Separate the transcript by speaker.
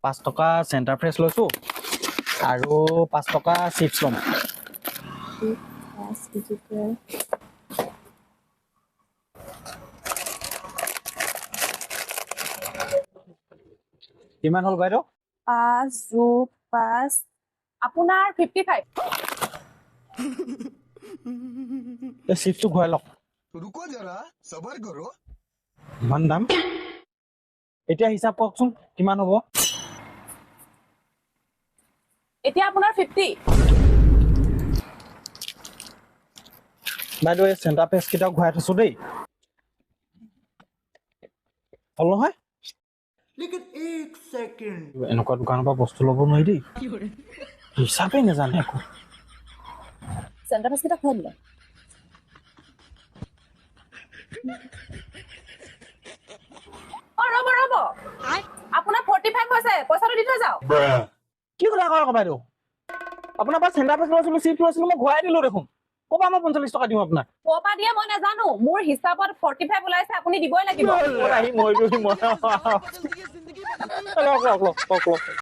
Speaker 1: 5 টকা centre fresh লৈছোঁ আৰু 5 টকা চিপছ ল'ম। কিমান হ'ল বাইদেউ?
Speaker 2: 5 যোগ 5 আপোনাৰ 55
Speaker 1: এই চিপছটো ঘূৰাই লওক।
Speaker 3: रुको जरा सबर करो
Speaker 1: ইমান দাম। এতিয়া হিচাপ কওকচোন কিমান হ'ব?
Speaker 2: এতিয়া আপোনাৰ 50
Speaker 1: বাইদেউ এই চেণ্টাৰ ফ্ৰেছ কেইটাও ঘূৰাই থৈছোঁ দেই। হ'ল নহয়? এনেকুৱা দোকানৰ পৰা বস্তু ল'ব নোৱাৰি দেই। হিচাপেই নাজানে একো।
Speaker 2: চেণ্টাৰ ফ্ৰেছ কেইটা খুৱাই দিলে ৰ'ব আপোনাৰ 45 হৈছে পইচাটো দি থৈ যাওক
Speaker 1: কি কথা কয় আকৌ বাইদেউ? আপোনাৰ পৰা চেণ্টাৰ ফ্ৰেছ লৈছিলোঁ, চিপছ লৈছিলোঁ, মই ঘূৰাই দিলোঁ দেখোন। ক'ৰ পৰা মই 45 টকা দিম আপোনাক?
Speaker 2: ক'ৰ পৰা দিয়ে মই নাজানো মোৰ হিচাপত 45 ওলাইছে আপুনি দিবই লাগিব
Speaker 1: আহি মৰিলোহি মই। লওক।